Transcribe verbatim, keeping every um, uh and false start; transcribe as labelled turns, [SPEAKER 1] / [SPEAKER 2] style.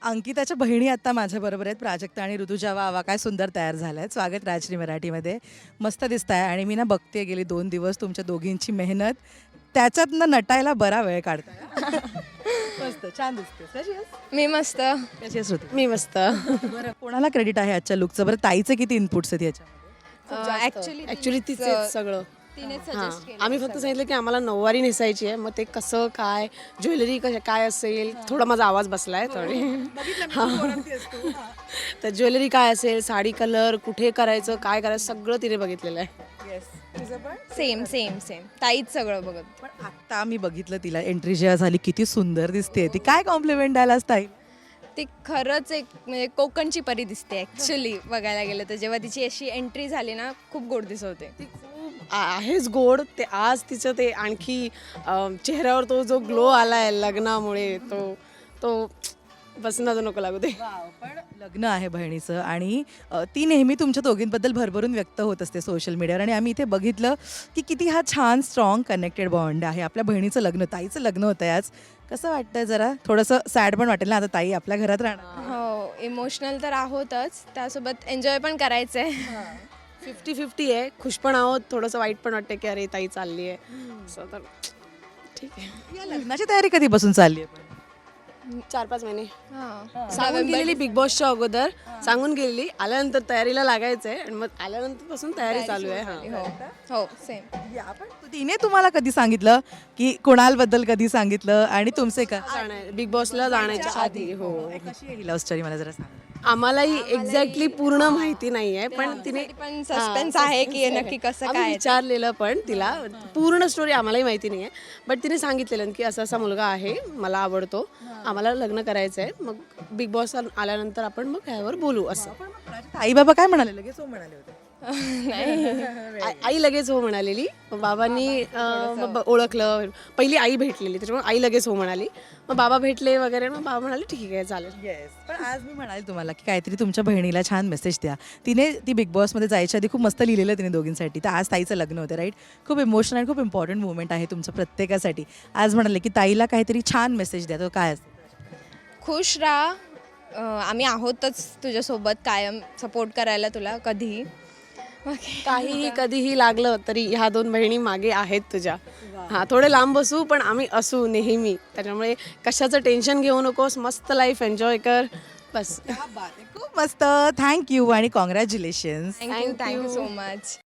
[SPEAKER 1] अंकिताच्या बहिणी आता माझ्याबरोबर आहेत, प्राजक्ता आणि ऋतुजा. वा वा, काय सुंदर तयार झाल्या आहेत. स्वागत राजश्री मराठीमध्ये. मस्त दिसत आहे आणि मी ना बघते गेली दोन दिवस तुमच्या दोघींची मेहनत, त्याच्यातनं नटायला बरा वेळ काढताय. मस्त, छान दिसते. कशी आहेस?
[SPEAKER 2] मी मस्त.
[SPEAKER 1] कशी आहेस ऋतू?
[SPEAKER 3] मी मस्त.
[SPEAKER 1] बरं, कोणाला क्रेडिट आहे आजच्या लुकचं? बरं, ताईचे किती इनपुट्स आहेत याच्यामध्ये?
[SPEAKER 2] ऍक्च्युली
[SPEAKER 3] ऍक्च्युली तिचे सगळं
[SPEAKER 2] तिने
[SPEAKER 3] हां
[SPEAKER 2] सजेस्ट केलं.
[SPEAKER 3] आम्ही फक्त सांगितलं की आम्हाला नऊवारी नेसायची आहे, मग ते कसं काय ज्वेलरी कसं काय असेल, थोडा माझा आवाज बसलाय थोडी. तर ज्वेलरी काय असेल, साडी कलर कुठे करायचं, काय करायचं सगळं तिने बघितलेलं आहे.
[SPEAKER 2] सेम सेम सेम ताईच सगळं बघत.
[SPEAKER 1] पण आता मी बघितलं तिला, एंट्री जेव्हा झाली किती सुंदर दिसते ती. काय कॉम्प्लिमेंट द्यायला ताई?
[SPEAKER 2] ती खरंच एक म्हणजे कोकणची परी दिसते ऍक्च्युली बघायला गेलं तर. जेव्हा तिची अशी एंट्री झाली ना, खूप गोड दिसत होते.
[SPEAKER 3] ती खूप आ- आहेच गोड. ते आज तिचं ते आणखी अं, चेहऱ्यावर तो जो ग्लो आलाय लग्नामुळे, तो तो बस नजर नको लागू दे.
[SPEAKER 1] पण लग्न आहे बहिणीचं आणि अ, ती नेहमी तुमच्या दोघींबद्दल भरभरून व्यक्त होत असते सोशल मीडियावर. आणि आम्ही इथे बघितलं की किती हा छान स्ट्रॉंग कनेक्टेड बॉन्ड आहे. आपल्या बहिणीचं लग्न, ताईचं लग्न होतं आहे आज. कसं वाटतंय? जरा थोडंसं सॅड पण वाटेल ना, आता ताई आपल्या घरात राहणार.
[SPEAKER 2] हो, इमोशनल तर आहोतच, त्यासोबत एन्जॉय पण करायचं आहे.
[SPEAKER 3] फिफ्टी फिफ्टी आहे. खुश पण आहोत, थोडंसं वाईट पण वाटतं की अरे ताई चालली आहे असं. तर ठीक आहे.
[SPEAKER 1] या लग्नाची तयारी कधीपासून चालली आहे?
[SPEAKER 3] चार पाच महिने
[SPEAKER 2] हां.
[SPEAKER 3] सांगून गेलेली बिग बॉसच्या अगोदर, सांगून गेलेली. आल्यानंतर तयारीला लागायचं आहे आणि मग आल्यानंतर पासून तयारी चालू आहे. हां
[SPEAKER 2] हो हो सेम.
[SPEAKER 1] या पण तिने तुम्हाला कधी सांगितलं की कुणालबद्दल कधी सांगितलं आणि तुमचे का
[SPEAKER 3] जाणार बिग बॉसला जाण्याच्या आधी. हो,
[SPEAKER 1] कशी आहे ही लव्ह स्टोरी? मला जरा सांग.
[SPEAKER 3] आम्हालाही एक्झॅक्टली पूर्ण माहिती नाहीये, पण तिने
[SPEAKER 2] पण सस्पेन्स आहे की नक्की कसं
[SPEAKER 3] आम्ही
[SPEAKER 2] काय.
[SPEAKER 3] विचारलेलं पण तिला पूर्ण स्टोरी आम्हालाही माहिती नाहीये, बट तिने सांगितलेलं की असा असा मुलगा आहे, मला आवडतो, आम्हाला लग्न करायचं आहे, मग बिग बॉस आल्यानंतर आपण मग ह्यावर बोलू असं.
[SPEAKER 1] आई बाबा काय म्हणाले? लगेच हो म्हणाले होते?
[SPEAKER 3] आ- आई लगेच हो म्हणालेली. मग बाबांनी अं, मग ब- ओळखलं. पहिली आई भेटलेली, त्याच्यामुळे आई लगेच हो म्हणाली. मग बाबा भेटले वगैरे, मग बाबा म्हणाले ठीक आहे चालेल.
[SPEAKER 1] येस. पण आज मी म्हणाले तुम्हाला की काहीतरी तुमच्या बहिणीला छान मेसेज द्या. तिने ती बिग बॉसमध्ये जायच्या आधी खूप मस्त लिहिलेलं तिने दोघींसाठी. तर आज ताईचं लग्न होतं, राईट? खूप इमोशनल आणि खूप इम्पॉर्टंट मुवमेंट आहे तुमच्या प्रत्येकासाठी. आज म्हणाले की ताईला काहीतरी छान मेसेज द्या. तो काय असतो?
[SPEAKER 2] खुश राहा. अं, आम्ही आहोतच तुझ्यासोबत कायम, सपोर्ट करायला तुला कधीही. बाकी
[SPEAKER 3] काहीही कधीही लागलं तरी ह्या दोन बहिणी मागे आहेत तुझ्या. हा, थोडे लांब बसू पण आम्ही असू नेहमी. त्याच्यामुळे कशाचं टेन्शन घेऊ नकोस, मस्त लाईफ एन्जॉय कर बस.
[SPEAKER 1] खूप मस्त. थँक्यू आणि congratulations.
[SPEAKER 2] Thank you thank you so much.